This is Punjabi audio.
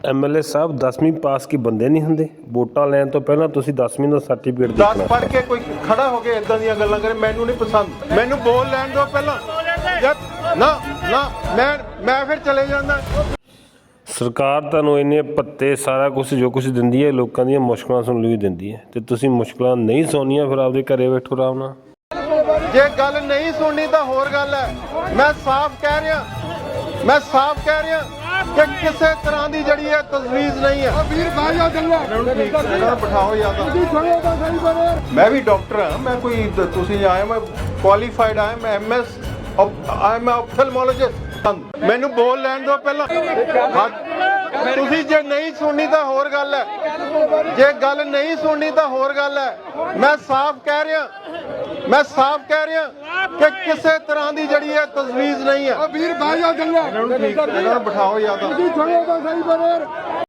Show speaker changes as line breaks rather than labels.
एमएलए साहब 10वीं पास के बंदे नहीं होंगे। वोटां लैण तो पहलां तुसीं 10वीं ਦਾ ਸਰਟੀਫਿਕੇਟ
दस
ਦੇਖਣਾ।
पढ़ के कोई खड़ा हो गया इदां ਦੀਆਂ ਗੱਲਾਂ ਕਰੇ ਮੈਨੂੰ ਨਹੀਂ ਪਸੰਦ। ਮੈਨੂੰ ਬੋਲ ਲੈਣ ਦਿਓ ਪਹਿਲਾਂ। ਨਾ ਨਾ ਮੈਂ ਫਿਰ ਚਲੇ ਜਾਂਦਾ।
ਸਰਕਾਰ ਤੁਹਾਨੂੰ ਇੰਨੇ ਭੱਤੇ ਸਾਰਾ ਕੁਝ ਜੋ ਕੁਝ ਦਿੰਦੀ ਹੈ ਲੋਕਾਂ ਦੀਆਂ ਮੁਸ਼ਕਲਾਂ ਸੁਣਨ ਲਈ ਦਿੰਦੀ ਹੈ ਤੇ ਤੁਸੀਂ ਮੁਸ਼ਕਲਾਂ ਨਹੀਂ ਸੁਣਨੀਆਂ ਫਿਰ ਆਪਦੇ ਘਰੇ ਬੈਠੋ ਆਰਾਮ ਨਾਲ।
ਜੇ ਗੱਲ ਨਹੀਂ ਸੁਣਨੀ ਤਾਂ ਹੋਰ ਗੱਲ ਹੈ। ਮੈਂ ਸਾਫ਼ ਕਹਿ ਰਿਹਾ ਕਿ ਕਿਸੇ ਤਰ੍ਹਾਂ ਦੀ ਜਿਹੜੀ ਹੈ ਤਜਵੀਜ਼ ਨਹੀਂ ਹੈ। ਵੀਰ ਬਾਜਾ ਜੱਲਾ ਬਿਠਾਓ ਜਾਂ ਮੈਂ ਵੀ ਡਾਕਟਰ ਹਾਂ। ਮੈਂ ਕੋਈ ਤੁਸੀਂ ਆਏ ਮੈਂ ਕੁਆਲੀਫਾਈਡ ਆਇਆ ਮੈਂ ਐਮਐਸ ਆਈ ਐਮ ਆਪਥਲਮੋਲੋਜਿਸਟ। ਮੈਨੂੰ ਬੋਲ ਲੈਣ ਦਿਓ ਪਹਿਲਾਂ। ਤੁਸੀਂ ਜੇ ਨਹੀਂ ਸੁਣਨੀ ਤਾਂ ਹੋਰ ਗੱਲ ਹੈ। ਜੇ ਗੱਲ ਨਹੀਂ ਸੁਣਨੀ ਤਾਂ ਹੋਰ ਗੱਲ ਹੈ। ਮੈਂ ਸਾਫ਼ ਕਹਿ ਰਿਹਾ ਕਿ ਕਿਸੇ ਤਰ੍ਹਾਂ ਦੀ ਜਿਹੜੀ ਹੈ ਤਜਵੀਜ਼ ਨਹੀਂ ਹੈ। ਵੀਰ ਬਾਜਾ ਜੱਲਾ ਬਿਠਾਓ ਜਾਂ